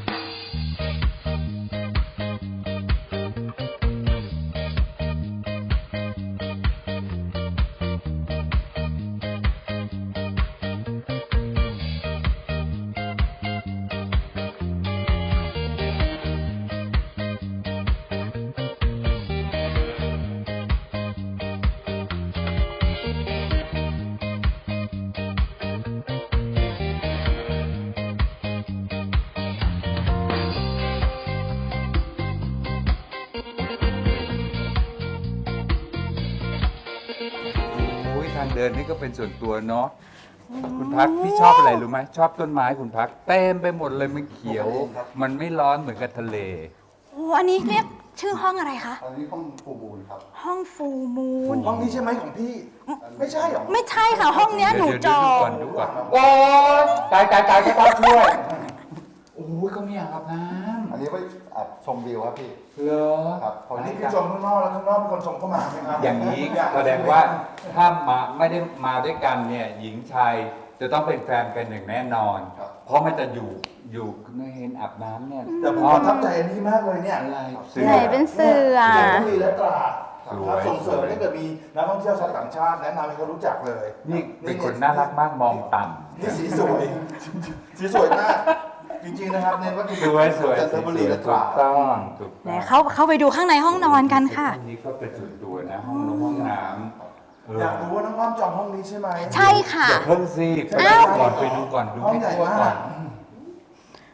[SPEAKER 4] โอ้ยทางเดินนี่ก็เป็นส่วนตัวเนาะคุณพักพี่ชอบอะไรรู้ไหมชอบต้นไม้คุณพักเต็มไปหมดเลยมันเขียว มันไม่ร้อนเหมือนกับทะเล
[SPEAKER 2] โอ้อันนี้เรียกชื่อห้องอะไรคะ
[SPEAKER 7] อันนี้ห้องฟูมูลครับ
[SPEAKER 2] ห้องฟูมูน
[SPEAKER 3] ห้องนี้ใช่ไหมของพี่ ไม่ใช่หรอ
[SPEAKER 2] ไม่ใช่ค่ะ ห้องเนี้ยหนูจอ
[SPEAKER 4] ดู
[SPEAKER 2] ง
[SPEAKER 4] ก่อนดูก่อนโอ้ยตายก็ต้องช่วย โอ้ยเขาไม่อยากอาบน้
[SPEAKER 7] อันนี้ไว้อาบชมวิวครับพี่
[SPEAKER 4] ำเหรอ
[SPEAKER 7] ครับพอ
[SPEAKER 3] อัน
[SPEAKER 7] ดี
[SPEAKER 3] นี้คือชมข้างนอกแล้วข้างนอกเป็นคนชมเข้ามาไหมครับ
[SPEAKER 4] อย่างนี้แสดงว่าถ้ามาไม่ได้มาด้วยกันเนี่ยหญิงชายจะต้องเป็นแฟนกันอย่างแน่นอน เพราะมันจะอยู่ไม่เห็นอาบน้ำเนี่ย
[SPEAKER 3] แต่ผมประทับใจอันนี้มากเลยเนี่ย
[SPEAKER 4] อะไร
[SPEAKER 2] ไหนเป็นเสือ
[SPEAKER 3] จันทบุรีและตราด
[SPEAKER 4] สวย
[SPEAKER 3] ส่งเสริมถ้าเกิดมีนักท่องเที่ยวชาวต่างชาติแนะนำให้เขารู้จักเลย
[SPEAKER 4] นี่เป็นคนน่ารักมากมองต่
[SPEAKER 3] นี่สีสวย สีสวยมาก จริงๆนะครับเน้นว่า
[SPEAKER 4] ำสวยสวย
[SPEAKER 3] จันทบุรีและต
[SPEAKER 4] ถู
[SPEAKER 3] ราก ด
[SPEAKER 4] ต้องถูก
[SPEAKER 2] ไหน
[SPEAKER 4] ต้อง
[SPEAKER 2] เข้าไปดูข้างในห้องนอนกันค่ะ
[SPEAKER 4] ห้องนี้ก็เป็นส่วนตัวนะห้องน้ำห้องน้ำเออ
[SPEAKER 3] อยากรู้ว่าน้องอ้อมจองห้องนี้ใช่ไหม
[SPEAKER 2] ใช่ค่ะ
[SPEAKER 4] อย่าเพิ่งสิไป
[SPEAKER 2] อ้าว
[SPEAKER 4] ดูก่อนไปดูก่อนดู
[SPEAKER 3] ห้อง
[SPEAKER 4] ให้
[SPEAKER 3] ใหญ่
[SPEAKER 4] ทั่ว
[SPEAKER 3] มา
[SPEAKER 4] ก่อก น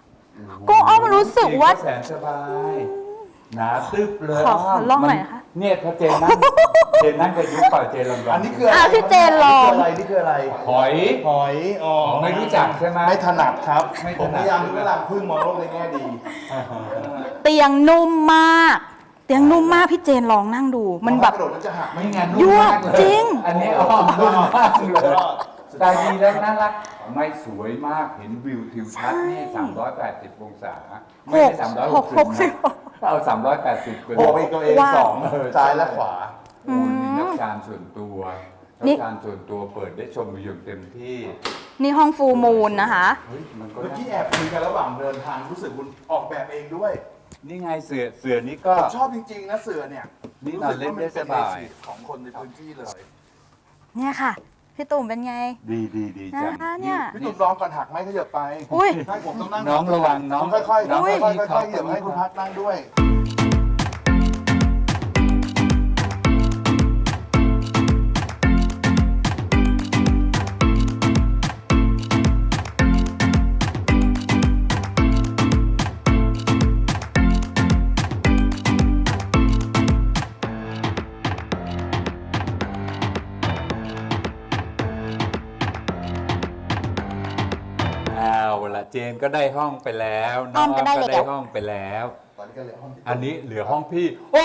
[SPEAKER 2] ก็อ้อมรู้สึกว่า
[SPEAKER 4] แสนสบายหนาตึบเลย
[SPEAKER 2] ขอลองหน่อยนะคะ
[SPEAKER 4] เนี่ยถ้าเจนนั่งกับยุคเปล่าเจนลอง
[SPEAKER 3] อันนี้คืออะไร
[SPEAKER 2] พี่เจนลอง
[SPEAKER 3] นี่คืออะไร
[SPEAKER 4] หอย
[SPEAKER 3] หอยอ๋อ
[SPEAKER 4] ไม่รู้จักใช่ไหม
[SPEAKER 3] ไม่ถนัดครับ
[SPEAKER 4] ไม่ถนัด
[SPEAKER 3] ผมพยายามเวลาพึ่งมองโลกในแง่ดี
[SPEAKER 2] เตียงนุ่มมาก เตียงนุ่มมากพี่เจนลองนั่งดู มันแบบ
[SPEAKER 3] กระโดดแล้วจะหักไหม
[SPEAKER 4] ไม่งั้น
[SPEAKER 2] ยั่ว
[SPEAKER 4] มากเลย
[SPEAKER 2] จริง
[SPEAKER 4] อันนี้อ้อมนุ่มมากเลยสไตล์ดีและน่ารักไม่สวยมากเห็นวิวทิวทัศน์นี่380 องศาไม่ใช่360นะเอา380ไป
[SPEAKER 3] โอ้ไปตัวเอง
[SPEAKER 2] ว้าว
[SPEAKER 3] สองซ้ายและขวา
[SPEAKER 4] โอ้มีนักการส่วนตัวนั
[SPEAKER 2] นี่
[SPEAKER 4] กการส่วนตัวเปิดได้ชมวิวเต็มที่
[SPEAKER 2] นี่ห้องฟูลมูนนะคะ
[SPEAKER 4] เฮ้ยมันก็
[SPEAKER 3] เมื่อ
[SPEAKER 4] น่า
[SPEAKER 3] กี้แอบคุยกันระหว่างเดินทางรู้สึกคุณออกแบบเองด้วย
[SPEAKER 4] นี่ไงเสือนี่ก็
[SPEAKER 3] ผมชอบจริงๆนะเสือเนี่ย
[SPEAKER 4] นี่นอนเล่นได้สบาย
[SPEAKER 3] รู้สึกว่ามันเป็นเบสิกของคนในพื้นที่เลย
[SPEAKER 2] เนี่ยค่ะ พี่ตุ่มเป็นไง
[SPEAKER 4] ดีจัง
[SPEAKER 2] นะคะเนี่ย
[SPEAKER 3] พี่ตุ้มลองก่อนหักไหมขยับไป
[SPEAKER 2] อุ้ย
[SPEAKER 3] ใช่ผมต้องนั่ง
[SPEAKER 4] น้องระวังน้อง
[SPEAKER 3] ค่อยๆ
[SPEAKER 4] น้อง
[SPEAKER 3] ค่อย
[SPEAKER 4] มี
[SPEAKER 3] ๆค่อยๆเหยียบให้คุณพักนั่งด้วย
[SPEAKER 4] เอาละเจนก็ได้ห้องไปแล้ว
[SPEAKER 2] อ้อมก็ได้
[SPEAKER 4] ก็
[SPEAKER 2] แล้ว
[SPEAKER 4] ได้ห้องไปแล้ว
[SPEAKER 3] ตอนนี้ก็เหลือห้องที่
[SPEAKER 4] อันนี้เหลือห้องพี่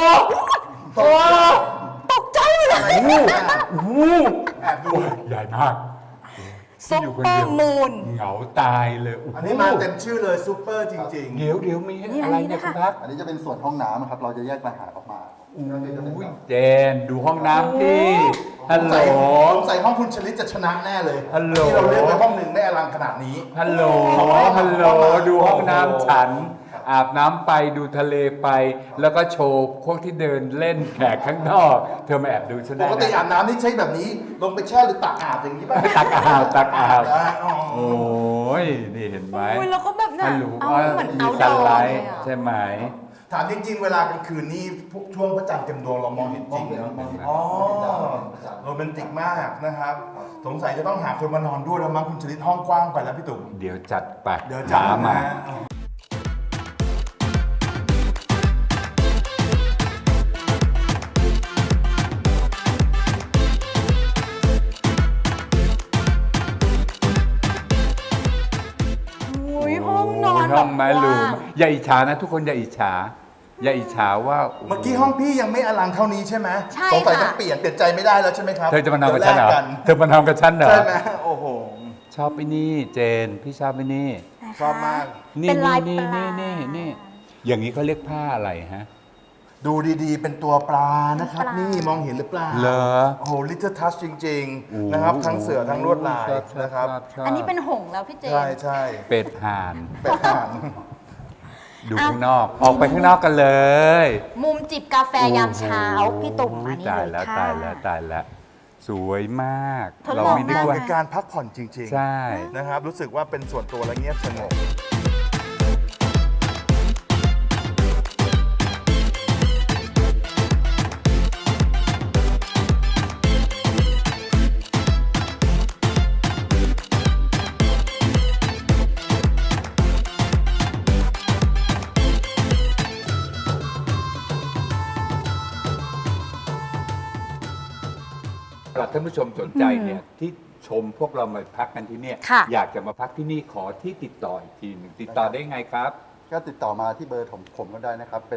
[SPEAKER 2] ตกใจเลย
[SPEAKER 4] โอ้โห
[SPEAKER 3] แอบดู
[SPEAKER 4] ใหญ่มาก
[SPEAKER 2] ซุปเปอร์มูน
[SPEAKER 4] เหงาตายเลยโโห
[SPEAKER 3] อันนี้มาเต็มชื่อเลยซูเปอร์จริง
[SPEAKER 4] เดี๋ยวมี
[SPEAKER 2] นี่
[SPEAKER 4] อะไร
[SPEAKER 2] อันนี้
[SPEAKER 4] เนี่ย
[SPEAKER 2] นะคะ
[SPEAKER 4] คุณพัก
[SPEAKER 7] อันนี้จะเป็นส่วนห้องน้ำครับ เราจะแยกต่างหากออกมา
[SPEAKER 4] อุ้ยเจนดูห้องน้ำพี่ฮัล
[SPEAKER 3] ๆ
[SPEAKER 4] โหล
[SPEAKER 3] ใส่ห้องคุณชลิตจะชนะแน่เลย
[SPEAKER 4] ฮัลโหล
[SPEAKER 3] ที่เราเลือกไว้ห้องหนึ่งไม่อลังขนาดนี้
[SPEAKER 4] ฮัลโหลดูห้องน้ำฉัน อาบน้ำไปดูทะเลไป แล้วก็โชว์พวกที่เดินเล่นแขกข้างนอก เธอมาแอบดูฉัน
[SPEAKER 3] ป
[SPEAKER 4] ได้
[SPEAKER 3] กติ
[SPEAKER 4] นะ
[SPEAKER 3] อาบน้ำนี่ใช้แบบนี้ ลงไปแช่หรือตักอาบอย่างนี้ป่ะ
[SPEAKER 4] ตักอาบ
[SPEAKER 3] อ๋อ
[SPEAKER 4] โอ้ยนี่เห็นไหม
[SPEAKER 2] อุ้ยแล้วก็แบบน่ะ
[SPEAKER 4] ฮัลโหล
[SPEAKER 2] เอาเหมือน
[SPEAKER 4] มี
[SPEAKER 2] เอา
[SPEAKER 4] ซั
[SPEAKER 2] ด
[SPEAKER 4] น
[SPEAKER 2] อ
[SPEAKER 4] ไล
[SPEAKER 2] เลย
[SPEAKER 4] ท์
[SPEAKER 2] อะ
[SPEAKER 4] ใช่ไหม
[SPEAKER 3] ถามจริง ๆ เวลากลางคืนนี่พวกช่วงพระจันทร์เต็มดวงเรามองเห็นจริงเนาะอ๋อโรแมนติกมากนะครับ สงสัยจะต้องหาคนมานอนด้วยแล้วมั้งคุณชลิตห้องกว้างไปแล้วพี่ตุ๋ม
[SPEAKER 4] เดี๋ยวจัดไป
[SPEAKER 3] เดี๋ยวจะ
[SPEAKER 4] หามา
[SPEAKER 2] อุ้ยห้องนอน
[SPEAKER 4] ห้องไม้
[SPEAKER 2] แบบ
[SPEAKER 4] ลู
[SPEAKER 2] กว้าง
[SPEAKER 4] อย่าอิจฉานะทุกคนอย่าอิจฉา อย่าอิจฉาว่า
[SPEAKER 3] เมื่อกี้ห้องพี่ยังไม่อลังเท่านี้ใช่ไหม
[SPEAKER 2] ใช่
[SPEAKER 3] สงสัย
[SPEAKER 2] ค่ะ
[SPEAKER 3] ต้องเปลี่ยนใจไม่ได้แล้วใช่ไหมครับ
[SPEAKER 4] เธอจะมานอนกับฉันเหรอ
[SPEAKER 3] ดี๋ยวแลก
[SPEAKER 4] เธอมานอนกับฉันเหรอ
[SPEAKER 3] ใช่ไหมโอ้โห
[SPEAKER 4] ชอบไปนี่เจน พี่ชอบไปนี่
[SPEAKER 3] ชอบมาก
[SPEAKER 4] นี่
[SPEAKER 2] เป็นลาย
[SPEAKER 4] นี่
[SPEAKER 2] ปลา
[SPEAKER 4] นี่อย่างนี้เขาเรียกผ้าอะไรฮะ
[SPEAKER 3] ดูดีๆ เป็นตัวปลานะครับ นี่มองเห็นหรือเปล่า
[SPEAKER 4] เหรอ
[SPEAKER 3] โอ้โห little touch จริง
[SPEAKER 4] โอ้
[SPEAKER 3] ๆ นะครับ ทั้งเสือทั้งลวดลาย
[SPEAKER 4] ชอบ
[SPEAKER 3] นะครับ
[SPEAKER 4] ชบ
[SPEAKER 2] อันนี้เป็นหงส์แล้วพี่เจน
[SPEAKER 3] ใช่ใช่
[SPEAKER 4] เป็ดห่าน
[SPEAKER 3] เป็ดห่าน
[SPEAKER 4] ดูข้างนอก ออกไปข้างนอกกันเลย
[SPEAKER 2] มุมจิบกาแฟยามเช้า พี่ตุ่มอันนี้
[SPEAKER 4] ตาย
[SPEAKER 2] เล
[SPEAKER 4] แล้ว
[SPEAKER 2] ยค่ะ
[SPEAKER 4] ตายแล้วตายแล้ว สวยมาก
[SPEAKER 2] ทดลอง
[SPEAKER 4] เราไม่นึก
[SPEAKER 2] ได้
[SPEAKER 4] ว่า
[SPEAKER 3] เป็นการพักผ่อนจริง
[SPEAKER 4] ใช่
[SPEAKER 3] ๆ นะครับ รู้สึกว่าเป็นส่วนตัวและเงียบสงบ
[SPEAKER 4] สำหรับท่านผู้ชมสนใจเนี่ยที่ชมพวกเรามาพักกันที่เนี่ย
[SPEAKER 2] ค่ะ
[SPEAKER 4] อยากจะมาพักที่นี่ขอที่ติดต่ออีกทีหนึ่งติดต่อได้ไงครับ
[SPEAKER 7] ก็ติดต่อมาที่เบอร์ผมก็ได้นะครับ เป็น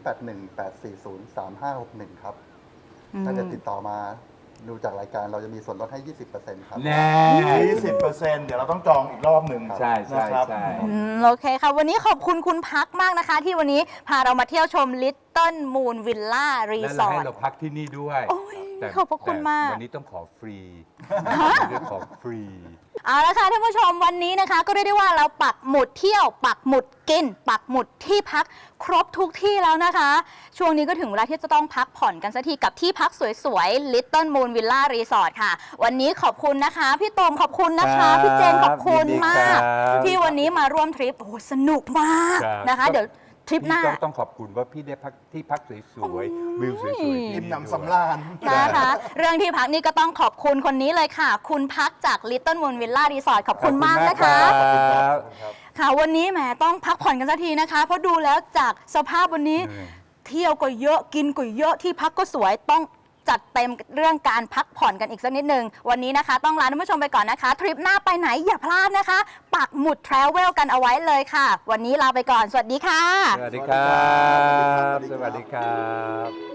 [SPEAKER 7] 0818403561 ครับ ถ้าจะติดต่อมาดูจากรายการเราจะมีส่วนลดให้ 20%ครับ
[SPEAKER 4] แน่
[SPEAKER 3] 20%เดี๋ยวเราต้องจองอีกรอบหนึ่ง
[SPEAKER 4] ใช่ใช่
[SPEAKER 3] นะครับ
[SPEAKER 4] ใช่
[SPEAKER 2] โอเคค่ะ วันนี้ขอบคุณคุณพักมากนะคะ ที่วันนี้พาเรามาเที่ยวชม Little Moon Villa
[SPEAKER 4] และเรา
[SPEAKER 2] Resort
[SPEAKER 4] ให้เราพักที่นี่ด้วย
[SPEAKER 2] โอ้ย
[SPEAKER 4] แต่
[SPEAKER 2] ขอบพระคุณมาก
[SPEAKER 4] แต่วันนี้ต้องขอฟรีเรื่องขอฟรี
[SPEAKER 2] เอาละค่ะท่านผู้ชมวันนี้นะคะ ก็เรียกได้ว่าเราปักหมุดเที่ยวปักหมุดกิน ปักหมุดที่พักครบทุกที่แล้วนะคะ ช่วงนี้ก็ถึงเวลาที่จะต้องพักผ่อนกันสักทีกับที่พักสวยๆ Little Moon Villa Resort ค่ะ วันนี้ขอบคุณนะคะ พี่ตูมขอบคุณนะคะ พี่เจนขอบคุณ
[SPEAKER 4] ยินดี
[SPEAKER 2] มาก
[SPEAKER 4] ครับ
[SPEAKER 2] ที่วันนี้มาร่วมทริปโอ้โหสนุกมาก
[SPEAKER 4] ครับ
[SPEAKER 2] นะคะ เดี๋ยวทริปหน้า
[SPEAKER 4] พี่ต้องขอบคุณว่าพี่ได้พักที่พักสวยๆวิวสวยๆที่
[SPEAKER 3] อิ่ม
[SPEAKER 4] นี่
[SPEAKER 3] หนำสำราญ
[SPEAKER 2] นะคะ เรื่องที่พักนี่ก็ต้องขอบคุณคนนี้เลยค่ะ คุณพักจาก Little Moon Villa Resort ขอบคุณมากนะคะ
[SPEAKER 4] ขอบคุณมากครับ
[SPEAKER 2] ค่ะวันนี้แหมต้องพักผ่อนกันสักทีนะคะ เพราะดูแล้วจากสภาพวันนี้เที่ยวก็เยอะกินก็เยอะที่พักก็สวยต้องจัดเต็มเรื่องการพักผ่อนกันอีกสักนิดนึงวันนี้นะคะต้องลาท่านผู้ชมไปก่อนนะคะทริปหน้าไปไหนอย่าพลาดนะคะปักหมุด Travel กันเอาไว้เลยค่ะ วันนี้ลาไปก่อนสวัสดีค่ะ
[SPEAKER 4] สวัสดีครับ สวัสดีครับ